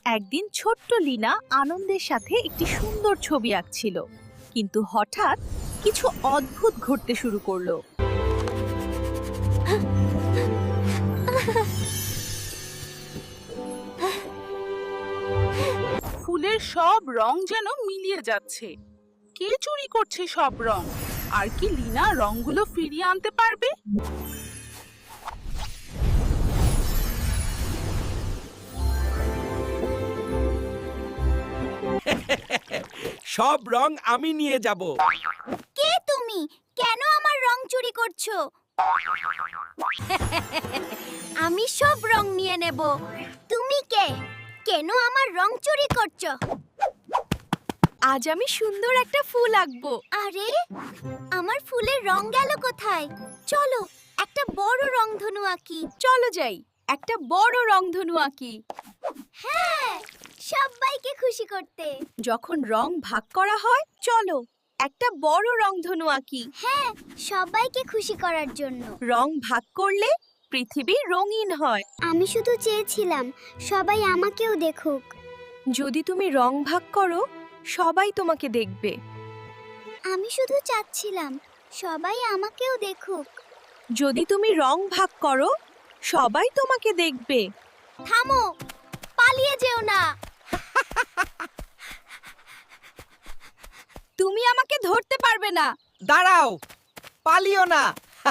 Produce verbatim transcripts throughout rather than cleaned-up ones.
একদিন ছোট্ট লিনা আনন্দের সাথে একটি সুন্দর ছবি আঁকছিল, কিন্তু হঠাৎ কিছু অদ্ভুত ঘটতে শুরু করলো। ফুলের সব রং যেন মিলিয়ে যাচ্ছে। কে চুরি করছে সব রং? আর কি লিনা রংগুলো ফিরিয়ে আনতে পারবে? সব রং আমি নিয়ে যাব। কে তুমি? কেন আমার রং চুরি করছো? আমি সব রং নিয়ে নেব। তুমি কে? কেন আমার রং চুরি করছো? আজ আমি সুন্দর একটা ফুল আঁকবো। আরে, আমার ফুলের রং গেল কোথায়? চলো একটা বড় রংধনু আঁকি। চলো যাই, একটা বড় রংধনু আঁকি। হ্যাঁ, সবাইকে খুশি করতে। যখন রং ভাগ করা হয়, চলো একটা বড় রংধনু আঁকি। হ্যাঁ, সবাইকে খুশি করার জন্য। রং ভাগ করলে পৃথিবী রঙিন হয়। আমি শুধু চেয়েছিলাম সবাই আমাকেও দেখুক। যদি তুমি রং ভাগ করো, সবাই তোমাকে দেখবে। আমি শুধু চাচ্ছিলাম সবাই আমাকেও দেখুক। যদি তুমি রং ভাগ করো, সবাই তোমাকে দেখবে। থামো, পালিয়ে যেও না। তুমি আমাকে ধরতে পারবে না। দাঁড়াও, পালিও না।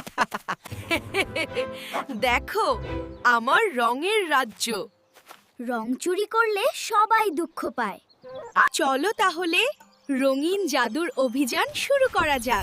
দেখো, আমার রঙের রাজ্য। রং চুরি করলে সবাই দুঃখ পায়। চলো তাহলে রঙিন জাদুর অভিযান শুরু করা যাক।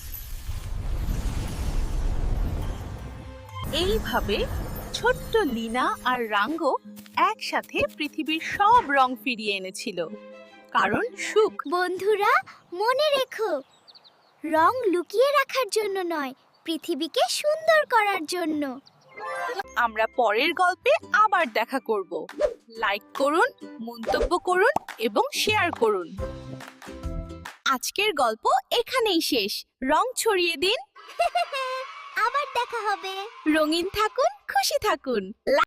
এইভাবে ছোট্ট লিনা আর রাঙ্গো একসাথে পৃথিবীর সব রং ফিরিয়ে এনেছিল, কারণ সুখ। বন্ধুরা, মনে রেখো, রং লুকিয়ে রাখার জন্য নয়, পৃথিবীকে সুন্দর করার জন্য। আমরা পরের গল্পে আবার দেখা করব। লাইক করুন, মন্তব্য করুন এবং শেয়ার করুন। আজকের গল্প এখানেই শেষ। রং ছড়িয়ে দিন, আবার দেখা হবে। রঙিন থাকুন, খুশি থাকুন।